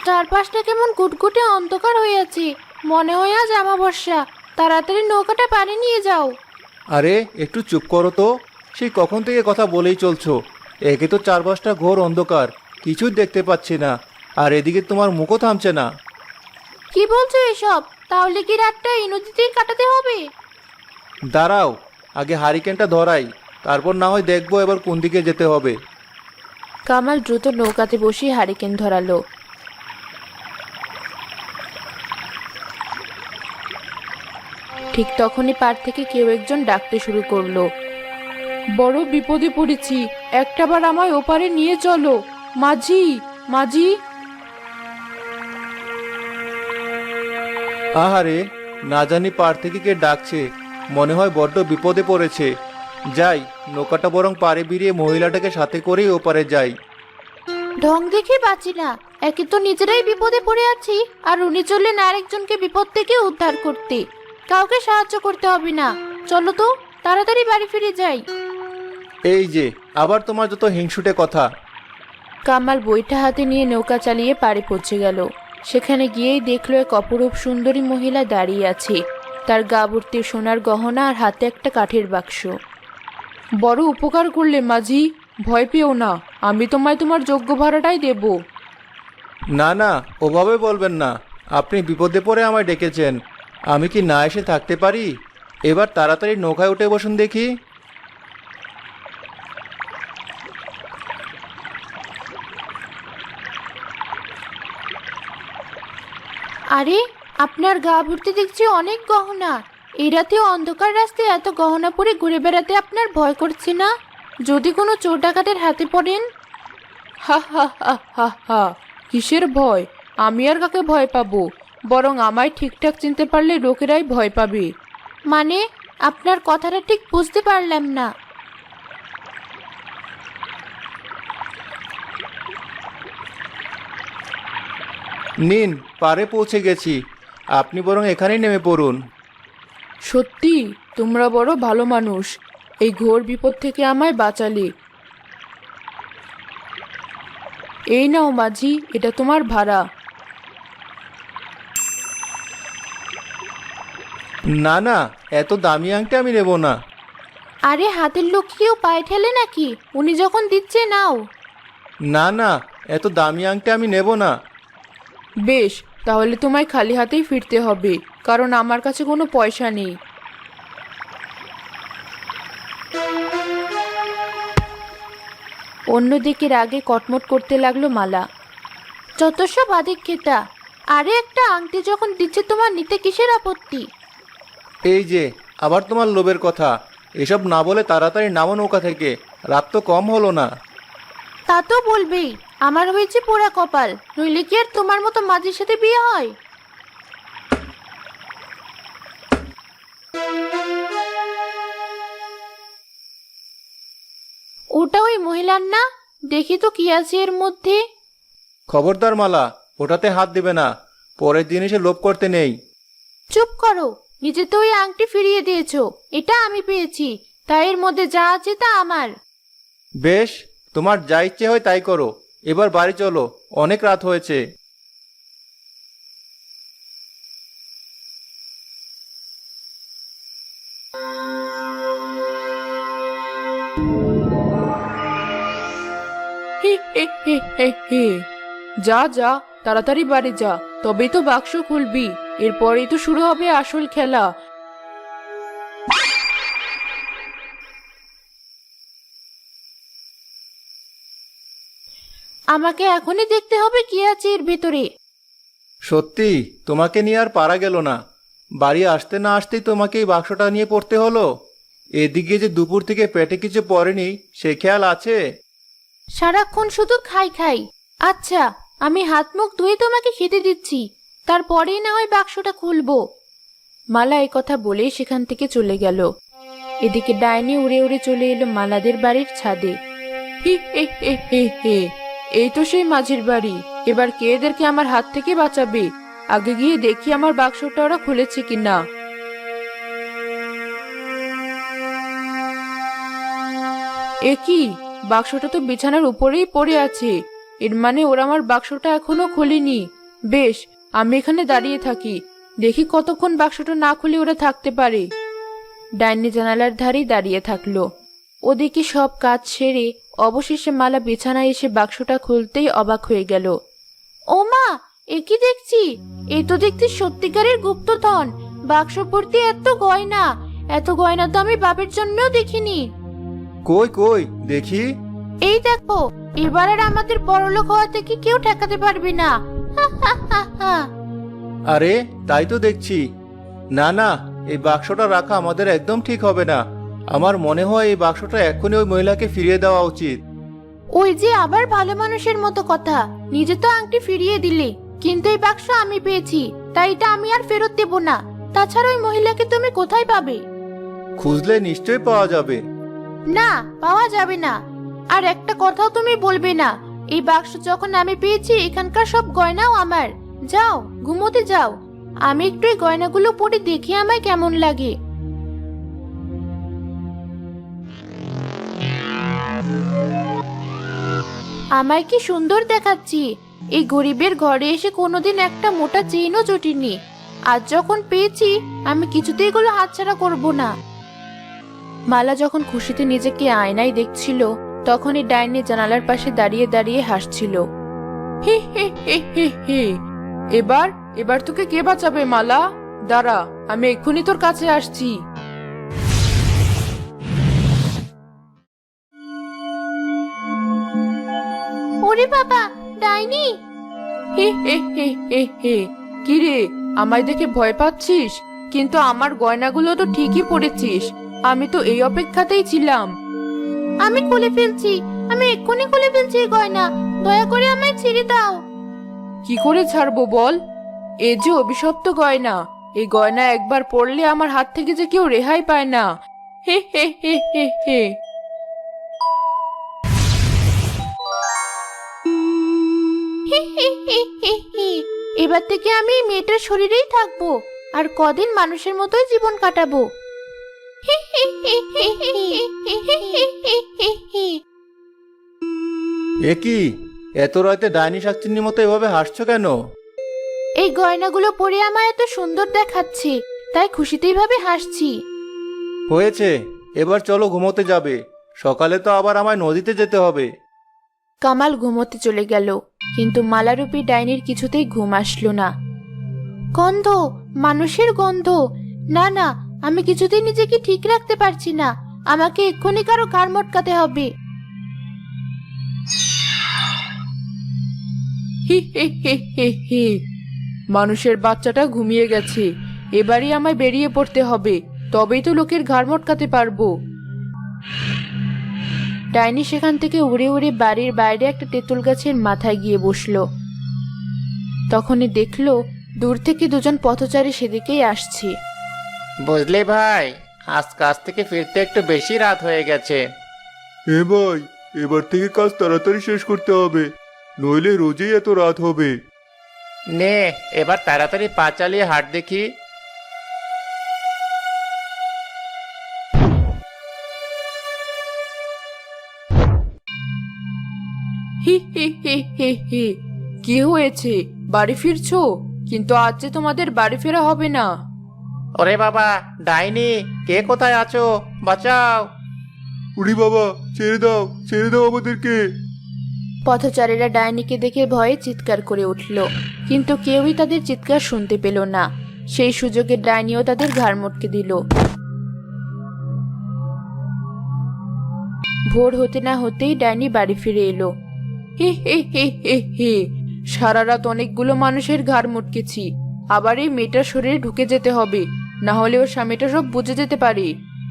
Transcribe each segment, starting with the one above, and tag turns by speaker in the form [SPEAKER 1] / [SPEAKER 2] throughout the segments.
[SPEAKER 1] চারপাশটা কেমন গুটগুটে অন্ধকার হয়ে আছে। মনে হয় আজ অমাবস্যা। তাড়াতাড়ি নৌকাটা পাড়ে নিয়ে যাও।
[SPEAKER 2] আরে একটু চুপ করো তো। সেই কখন থেকে কথা বলেই চলছো। একে তো চারপাশটা ঘোর অন্ধকার, কিছুই দেখতে পাচ্ছি না। আর এদিকে তোমার মুখও থামছে না।
[SPEAKER 1] কি বলছো এসব? তাহলে কি রাতটা এই নদীতেই কাটাতে হবে?
[SPEAKER 2] দাঁড়াও, আগে হারিকেনটা ধরাই, তারপর না হয় দেখবো এবার কোন দিকে যেতে হবে।
[SPEAKER 1] কামাল দ্রুত নৌকাতে বসে হারিকেন ধরালো। ঠিক তখনই পার থেকে কেউ একজন ডাকতে শুরু করলো। বড় বিপদে পড়েছি, একটাবার আমায় ওপারে নিয়ে চলো। মাঝি, মাঝি।
[SPEAKER 2] আহারে, না জানি পার থেকে কে ডাকছে। মনে হয় বড্ড বিপদে পড়েছে। যাই, নৌকাটা বরং পাড়ে ভিড়িয়ে মহিলাটাকে সাথে করেই ওপারে যাই।
[SPEAKER 1] ঢং দেখে বাঁচি না। একে তো নিজেরাই বিপদে পড়ে আছি, আর উনি চললেন আরেকজনকে বিপদ থেকে উদ্ধার করতে। কাউকে সাহায্য করতে হবে না। চলো তো, তাড়াতাড়ি বাড়ি ফিরে যাই।
[SPEAKER 2] এই যে, আবার তোমার যত হিংসুটে কথা।
[SPEAKER 1] কামাল বইটা হাতে নিয়ে নৌকা চালিয়ে পাড়ে পৌঁছে গেল। সেখানে গিয়েই দেখলো এক অপরূপ সুন্দরী মহিলা দাঁড়িয়ে আছে। তার গা ভর্তি সোনার গহনা আর হাতে একটা কাঠের বাক্স। বড় উপকার করলে মাঝি, ভয় পেও না। আমি তোমায় তোমার যোগ্য ভাড়াটাই দেব।
[SPEAKER 2] না না, ওভাবে বলবেন না। আপনি বিপদে পড়ে আমায় ডেকেছেন, আমি কি না এসে থাকতে পারি? এবার তাড়াতাড়ি নৌকায় উঠে বসুন দেখি।
[SPEAKER 1] আরে, আপনার গা ভর্তি দেখছি অনেক গহনা। এই রাতে অন্ধকার রাস্তায় এত গহনা পরে ঘুরে বেড়াতে আপনার ভয় করছে না? যদি কোনো চোর ডাকাতের হাতে পড়েন? হা হা হা হা হা। কিসের ভয়? আমি আর কাকে ভয় পাবো? বরং আমায় ঠিকঠাক চিনতে পারলে লোকেরাই ভয় পাবে। মানে, আপনার কথাটা ঠিক বুঝতে পারলাম না।
[SPEAKER 2] নিন, পাড়ে পৌঁছে গেছি। আপনি বরং এখানেই নেমে পড়ুন।
[SPEAKER 1] সত্যি, তোমরা বড় ভালো মানুষ। এই ঘোর বিপদ থেকে আমায় বাঁচালে। এই নাও মাঝি, এটা তোমার ভাড়া।
[SPEAKER 2] না না, এত দামি আংটি আমি নেব না।
[SPEAKER 1] আরে, হাতের লোক কেউ পায়ে ঠেলে নাকি? উনি যখন দিচ্ছে নাও।
[SPEAKER 2] না না, এত দামি আংটি আমি নেব না।
[SPEAKER 1] বেশ, তাহলে তোমায় খালি হাতেই ফিরতে হবে, কারণ আমার কাছে কোনো পয়সা নেই। অন্যদিকে রাগে কটমট করতে লাগলো মালা। যত সব আদিক্ষেতা। আরে, একটা আংটি যখন দিচ্ছে তোমার নিতে কিসের আপত্তি?
[SPEAKER 2] এই যে, আবার তোমার লোভের কথা। এসব না বলে তাড়াতাড়ি নামো নৌকা থেকে। রাত তো কম হলো না।
[SPEAKER 1] তা তো বলবেই। আমার হয়েছে পোড়া কপাল, নইলে কি আর তোমার মতো মাঝির সাথে বিয়ে হয়? ওটা ওই মহিলার না? দেখি তো কি আছে এর মধ্যে।
[SPEAKER 2] খবরদার মালা, ওটাতে হাত দেবে না। পরের দিন এসে লোভ করতে নেই।
[SPEAKER 1] চুপ করো। নিজে তো ওই আংটি ফিরিয়ে দিয়েছো। এটা আমি পেয়েছি, তাই এর মধ্যে যা আছে তা আমার।
[SPEAKER 2] বেশ, তোমার যা ইচ্ছে হয় তাই করো। এবার বাড়ি চলো, অনেক রাত হয়েছে।
[SPEAKER 1] হি হি হি হি হি। যা যা, তাড়াতাড়ি বাড়ি যা, তবেই তো বাক্স খুলবি। এরপরেই তো শুরু হবে আসল খেলা। আমাকে এখনই দেখতে হবে কি আছে এর ভেতরে।
[SPEAKER 2] সত্যি, তোমাকে নিয়ে আর পারা গেল না। বাড়ি আসতে না আসতেই তোমাকে এই বাক্সটা নিয়ে পড়তে হলো। এদিকে যে দুপুর থেকে পেটে কিছু পড়েনি, সে খেয়াল আছে?
[SPEAKER 1] সারাক্ষণ শুধু খাই খাই। আচ্ছা, আমি হাত মুখ ধুয়ে তোমাকে খেতে দিচ্ছি, তারপরেই না হয় বাক্সটা খুলবো। মালা এই কথা বলেই সেখান থেকে চলে গেল। এদিকে ডাইনি উড়ে উড়ে চলে এলো মালাদের বাড়ির ছাদে। হি হি হি হি হি। এই তো সেই মাঝির বাড়ি। এবার কে এদেরকে আমার হাত থেকে বাঁচাবে? আগে গিয়ে দেখি আমার বাক্সটা ওরা খুলেছে কিনা। এ কি? বাক্সটা তো বিছানার উপরেই পড়ে আছে। এর মানে ওরা আমার বাক্সটা এখনো খোলেনি। বেশ, আমি এখানে দাঁড়িয়ে থাকি, দেখি কতক্ষণ বাক্সটা না খুলে ওরা থাকতে পারে। ডাইনি জানালার ধারেই দাঁড়িয়ে থাকলো। ওদিকে সব কাজ সেরে অবশেষে মালা বিছানায় এসে বাক্সটা খুলতেই অবাক হয়ে গেল। ও মা, এ কি দেখছি! এ তো দেখছি সত্যিকারের গুপ্তধন। বাক্স ভর্তি এত গয়না! এত গয়না তো আমি বাপের জন্যও দেখিনি।
[SPEAKER 2] কই কই দেখি।
[SPEAKER 1] এই দেখো, এবার আর আমাদের বড়লোক হওয়া থেকে কেউ ঠেকাতে পারবে না। হা হা হা হা।
[SPEAKER 2] আরে তাই তো দেখছি। না না, এই বাক্সটা রাখা আমাদের একদম ঠিক হবে না। আমার মনে হয় এই বাক্সটা এক্ষুনি ওই মহিলাকে ফিরিয়ে দেওয়া উচিত।
[SPEAKER 1] ওই যে আবার ভালো মানুষের মতো কথা, নিজে তো আংটি ফিরিয়ে দিলে, কিন্তু এই বাক্স আমি পেয়েছি, তাই এটা আমি আর ফেরত দেব না। তাছাড়া ওই মহিলাকে তুমি কোথায় পাবে?
[SPEAKER 2] খুঁজলে নিশ্চয়ই পাওয়া যাবে।
[SPEAKER 1] না, পাওয়া যাবে না। আর একটা কথাও তুমি বলবে না। এই বাক্স যখন আমি পেয়েছি, এখানকার সব গয়নাও আমার। যাও, ঘুমোতে যাও। আমি একটু এই গয়নাগুলো পরে দেখি আমায় কেমন লাগে। আমায় কি সুন্দর দেখাচ্ছি! এই গরিবের ঘরে এসে কোনোদিন একটা মোটা চেইনও জুটিনি। আজ যখন পেয়েছি, আমি কিছুতেই এগুলো হাতছাড়া করব না। মালা যখন খুশিতে নিজেকে আয়নায় দেখছিল, তখন এই ডাইনি জানালার পাশে দাঁড়িয়ে দাঁড়িয়ে হাসছিল। হি হি হি হি হি। এবার এবার তোকে কে বাঁচাবে মালা? দাঁড়া, আমি এক্ষুনি তোর কাছে আসছি। ওরে বাবা, ডাইনি! হে হে হে হে হে। কি রে, আমায় দেখে ভয় পাচ্ছিস? কিন্তু আমার গয়নাগুলো তো ঠিকই পড়েছিস। আমি তো এই অপেক্ষাতেই ছিলাম। আমি খুলে ফেলছি, আমি এক্ষুনি খুলে ফেলছি এই গয়না। দয়া করে আমায় ছেড়ে দাও। কি করে ছাড়বো বল? এ যে অভিশপ্ত গয়না। এই গয়না একবার পড়লে আমার হাত থেকে যে কেউ রেহাই পায় না। হে হে হে হে হে। এবার থেকে আমি এই মেয়েটার শরীরেই থাকবো, আর কদিন মানুষের মতোই জীবন কাটাবো।
[SPEAKER 2] এ কি, এত রাতে ডাইনি শাকচুন্নির মতো এভাবে হাসছো কেন?
[SPEAKER 1] এই গয়নাগুলো পরে আমায় এত সুন্দর দেখাচ্ছে, তাই খুশিতে এইভাবে হাসছি।
[SPEAKER 2] হয়েছে, এবার চলো ঘুমোতে যাবে। সকালে তো আবার আমায় নদীতে যেতে হবে।
[SPEAKER 1] কামাল ঘুমোতে চলে গেল, কিন্তু মালারূপী ডাইনির কিছুতেই ঘুম আসলো না। গন্ধ, মানুষের গন্ধ! না না, আমি কিছুতেই নিজেকে ঠিক রাখতে পারছি না। আমাকে এক্ষুনি কারো ঘাড় মটকাতে হবে। হি হি হি হি হি। মানুষের বাচ্চাটা ঘুমিয়ে গেছে। এবারই আমায় বেরিয়ে পড়তে হবে, তবেই তো লোকের ঘাড় মটকাতে পারবো। ডাইনি সেখান থেকে উড়ে উড়ে বাড়ির বাইরে একটা তেঁতুল গাছের মাথায় গিয়ে বসলো। তখনই দেখলো দূর থেকে দুজন পথচারী সেদিকেই আসছে।
[SPEAKER 3] বুঝলি ভাই, আজ কাজ থেকে ফিরতে একটু বেশি রাত হয়ে গেছে।
[SPEAKER 2] ভাই, এবার থেকে কাজ তাড়াতাড়ি শেষ করতে হবে, নইলে রোজই এত রাত হবে।
[SPEAKER 3] নে, এবার তাড়াতাড়ি পা চালিয়ে হাঁট দেখি।
[SPEAKER 1] হি হি হি হি হি। কি হয়েছে, বাড়ি ফিরছো? কিন্তু আজ যে তোমাদের বাড়ি ফেরা হবে না।
[SPEAKER 3] ওরে বাবা, ডাইনি, কে কোথায় আছো? বাঁচাও!
[SPEAKER 2] উড়ি বাবা, ছেড়ে দাও, ছেড়ে দাও আমাদেরকে।
[SPEAKER 1] পথচারীরা ডাইনিকে দেখে ভয়ে চিৎকার করে উঠল, কিন্তু কেউই তাদের চিৎকার শুনতে পেল না। সেই সুযোগে ডাইনিও তাদের ঘাড় মটকে দিল। ভোর হতে না হতেই ডাইনি বাড়ি ফিরে এলো। হে হে হে হে হে। সারা রাত অনেকগুলো মানুষের ঘাড় মটকেছি, আবার এই মেয়েটার শরীরে ঢুকে যেতে হবে, না হলে ওর স্বামীটা সব বুঝে যেতে পারে।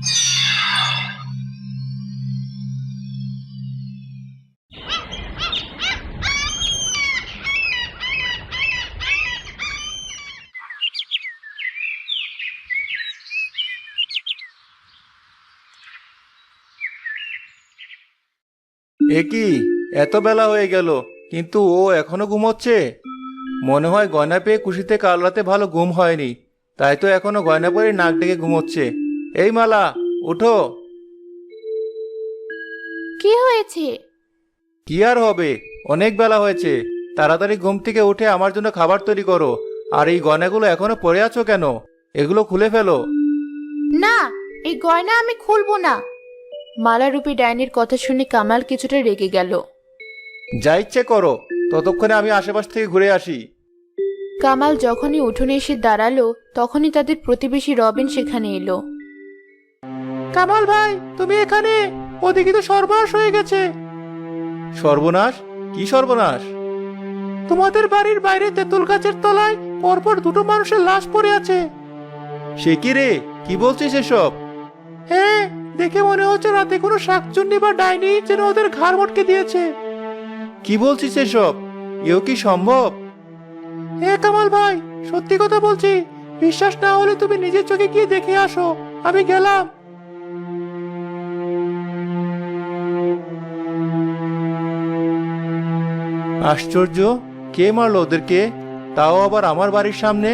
[SPEAKER 2] এ কি, এত বেলা হয়ে গেল, কিন্তু ও এখনো ঘুমোচ্ছে? মনে হয় গয়না পেয়ে খুশিতে কাল রাতে ভালো ঘুম হয়নি, তাই তো এখনো গয়না পরে নাক ডেকে ঘুমোচ্ছে। এই মালা, উঠো।
[SPEAKER 1] কি হয়েছে?
[SPEAKER 2] কি আর হবে, অনেক বেলা হয়েছে। তাড়াতাড়ি ঘুম থেকে উঠে আমার জন্য খাবার তৈরি করো। আর এই গয়নাগুলো এখনো পরে আছো কেন? এগুলো খুলে ফেলো।
[SPEAKER 1] না, এই গয়না আমি খুলবো না। মালারূপী ডাইনির কথা শুনে কামাল কিছুটা রেগে গেল।
[SPEAKER 2] যা ইচ্ছে করো, ততক্ষণে আমি আশেপাশ থেকে ঘুরে আসি।
[SPEAKER 1] কামাল যখনই উঠোনে এসে দাঁড়ালো তখনই তাদের প্রতিবেশী রবিন সেখানে এলো।
[SPEAKER 2] কামাল ভাই, তুমি এখানে? ওদিকে তো সর্বনাশ হয়ে গেছে। সর্বনাশ? কি সর্বনাশ? তোমাদের বাড়ির বাইরে তেঁতুল গাছের তলায় পরপর দুটো মানুষের লাশ পড়ে আছে। সে কি রে, কি বলছিস এসব? হ্যাঁ, দেখে মনে হচ্ছে রাতে কোনো শাকচুন্নি বা ডাইনি যেন ওদের ঘাড় মটকে দিয়েছে। কি বলছিস এসব? এও কি সম্ভব? হ্যাঁ কামাল ভাই, সত্যি কথা বলছি। বিশ্বাস না হলে তুমি নিজের চোখে গিয়ে দেখে আসো। আমি গেলাম। আশ্চর্য, কে মারলো ওদেরকে? তাও আবার আমার বাড়ির সামনে।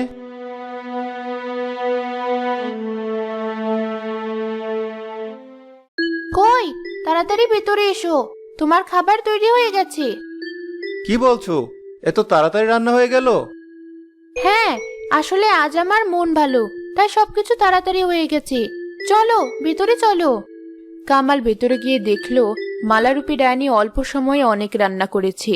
[SPEAKER 1] কই, তাড়াতাড়ি ভেতরে এসো, তোমার খাবার তৈরি হয়ে গেছে।
[SPEAKER 2] কি বলছো? এত তাড়াতাড়ি রান্না হয়ে গেল?
[SPEAKER 1] হ্যাঁ, আসলে আজ আমার মন ভালো, তাই সবকিছু তাড়াতাড়ি হয়ে গেছে। চলো ভেতরে চলো। কামাল ভেতরে গিয়ে দেখলো মালারূপী ডাইনি অল্প সময়ে অনেক রান্না করেছে।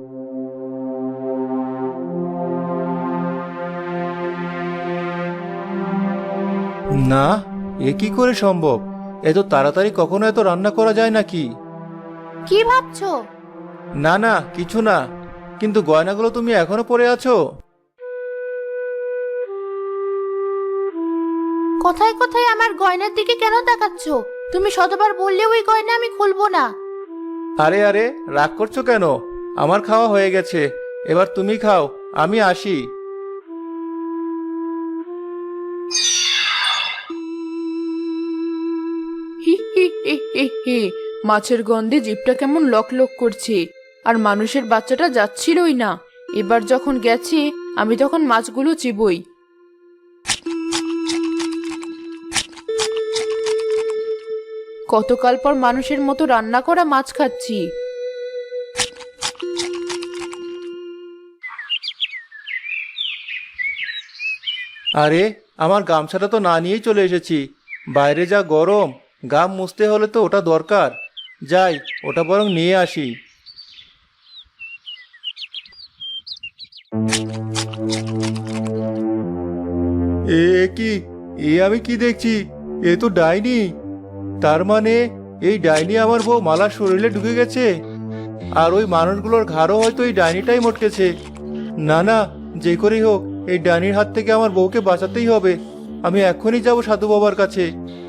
[SPEAKER 2] না, এ কি করে সম্ভব? এত তাড়াতাড়ি কখনো এত রান্না করা যায় নাকি?
[SPEAKER 1] কি ভাবছো?
[SPEAKER 2] না না, কিছু না। কিন্তু গয়নাগুলো তুমি এখনো পরে আছো?
[SPEAKER 1] কোথায় কোথায় আমার গয়নার দিকে কেন তাকাচ্ছ? তুমি শতবার বললেও ওই গয়না আমি খুলবো না।
[SPEAKER 2] আরে আরে, রাগ করছো কেন? আমার খাওয়া হয়ে গেছে, এবার তুমি খাও, আমি আসি।
[SPEAKER 1] হি হি হি হি হি। মাছের গন্ধে জিভটা কেমন লক লক করছে, আর মানুষের বাচ্চাটা যাচ্ছিলই না। এবার যখন গেছে আমি তখন মাছগুলো চিবই। কতকাল পর মানুষের মতো রান্না করা মাছ খাচ্ছি।
[SPEAKER 2] আরে, আমার গামছাটা তো না নিয়েই চলে এসেছি। বাইরে যা গরম, গাম মুছতে হলে তো ওটা দরকার। যাই, ওটা বরং নিয়ে আসি। এ কি, আমি কি দেখছি? এ তো ডাইনি। তার মানে এই ডাইনি আমার বউ মালার শরীরে ঢুকে গেছে। আর ওই মানুষগুলোর ঘাড়ও হয়তো এই ডাইনিটাই মটকেছে। না না, যে করেই হোক এই ডাইনির হাত থেকে আমার বউকে বাঁচাতেই হবে। আমি এখনই যাব সাধু বাবার কাছে।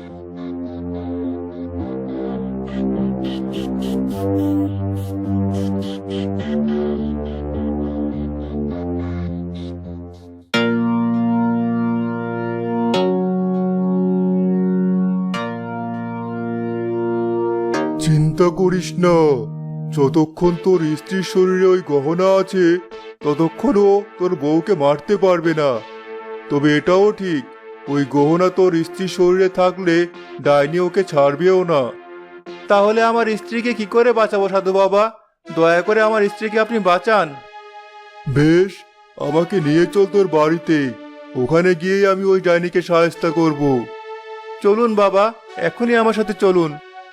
[SPEAKER 4] চিন্তা করিস না, যতক্ষণ তোর স্ত্রীর শরীরে ওই গহনা আছে ততক্ষণ ও তোর বউকে মারতে পারবে না। তবে এটাও ঠিক, ওই গহনা তোর স্ত্রীর শরীরে থাকলে ডাইনি ওকে ছাড়বেও না।
[SPEAKER 2] তাহলে আমার স্ত্রীকে কি করে বাঁচাবো সাধু বাবা? দয়া করে আমার স্ত্রীকে আপনি বাঁচান।
[SPEAKER 4] বেশ, আমাকে নিয়ে চল তোর বাড়িতে। ওখানে গিয়েই আমি ওই ডাইনিকে সাহায্য করব।
[SPEAKER 2] চলুন বাবা, এখনই আমার সাথে চলুন।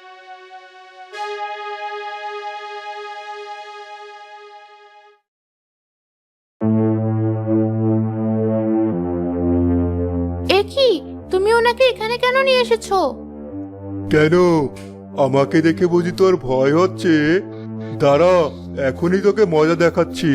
[SPEAKER 1] এ কি, তুমি ওনাকে এখানে কেন নিয়ে এসেছো?
[SPEAKER 4] কেন, আমাকে দেখে বুঝি তোর ভয় হচ্ছে? দাঁড়া, এখনই তোকে মজা দেখাচ্ছি।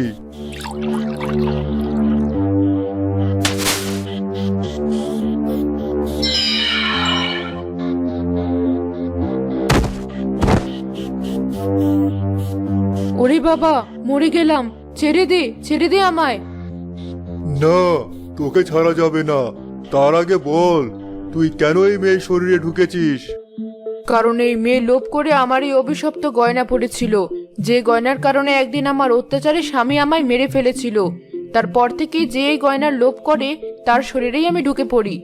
[SPEAKER 1] ওরে বাবা, মরে গেলাম। ছেড়ে দে, ছেড়ে দে আমায়।
[SPEAKER 4] না, তোকে ছাড়া যাবে না। তার আগে বল, তুই কেন এই মেয়ের শরীরে ঢুকেছিস?
[SPEAKER 1] কারণ এই মেয়ে লোভ করে আমার এই অভিশপ্ত গয়না পড়েছিল, যে গয়নার কারণে একদিন আমার অত্যাচারে স্বামী আমায় মেরে ফেলেছিল। তারপর থেকেই যে এই গয়নার লোভ করে তার শরীরেই আমি ঢুকে পড়ি।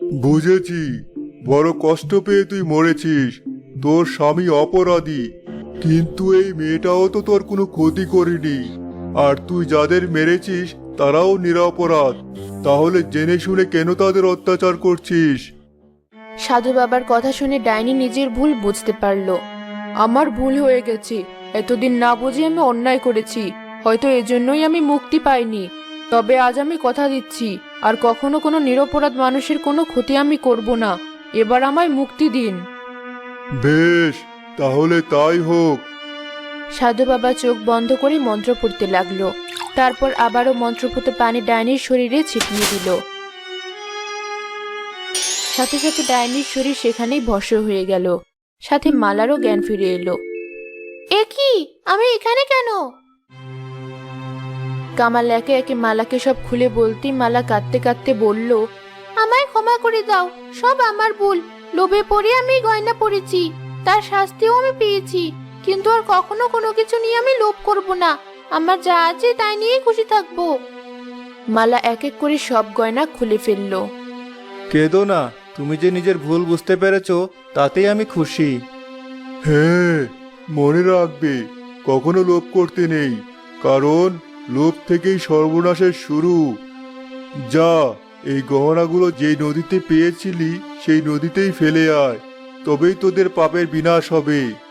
[SPEAKER 4] বুঝেছি, বড় কষ্ট পেয়ে তুই মরেছিস। তোর স্বামী অপরাধী। কিন্তু এই মেয়েটাও তো তোর কোনো ক্ষতি করেনি, আর তুই যাদের মেরেছিস তারাও নিরপরাধ। তাহলে জেনে শুনে কেন তাদের অত্যাচার করছিস?
[SPEAKER 1] সাধু বাবার কথা শুনে ডাইনি নিজের ভুল বুঝতে পারল। আমার ভুল হয়ে গেছে, এতদিন না বুঝে আমি অন্যায় করেছি, হয়তো এজন্যই আমি মুক্তি পাইনি। তবে আজ আমি কথা দিচ্ছি, আর কখনো কোনো নিরপরাধ মানুষের কোনো ক্ষতি আমি করব না। এবার আমায় মুক্তি দিন।
[SPEAKER 4] বেশ, তাহলে তাই হোক।
[SPEAKER 1] সাধু বাবা চোখ বন্ধ করে মন্ত্র পড়তে লাগলো। তারপর আবারও মন্ত্রপুত পানি ডাইনির শরীরে ছিটিয়ে দিল। সাথে সাথে ডাইনির শরীর সেখানেই ভস্ম হয়ে গেল। সাথে মালারও জ্ঞান ফিরে এলো। এ কি, আমি এখানে কেন? কামাল একে একে মালাকে সব খুলে বলতেই মালা কাঁদতে কাঁদতে বলল, আমায় ক্ষমা করে দাও, সব আমার ভুল। লোভে পড়ে আমি গয়না পরেছি, তার শাস্তিও আমি পেয়েছি। কিন্তু আর কখনো কোনো কিছু নিয়ে আমি লোভ করব না। আমার যা আছে তাই নিয়েই খুশি থাকবো। মালা এক এক করে সব গয়না খুলে ফেললো।
[SPEAKER 2] কেঁদো না, তুমি যে নিজের ভুল বুঝতে পেরেছো তাতেই আমি খুশি।
[SPEAKER 4] হ্যাঁ, মনে রাখবে, কখনো লোভ করতে নেই, কারণ লোভ থেকেই সর্বনাশের শুরু। যা, এই গহনাগুলো যেই নদীতে পেয়েছিলি সেই নদীতেই ফেলে আয়, তবেই তোদের পাপের বিনাশ হবে।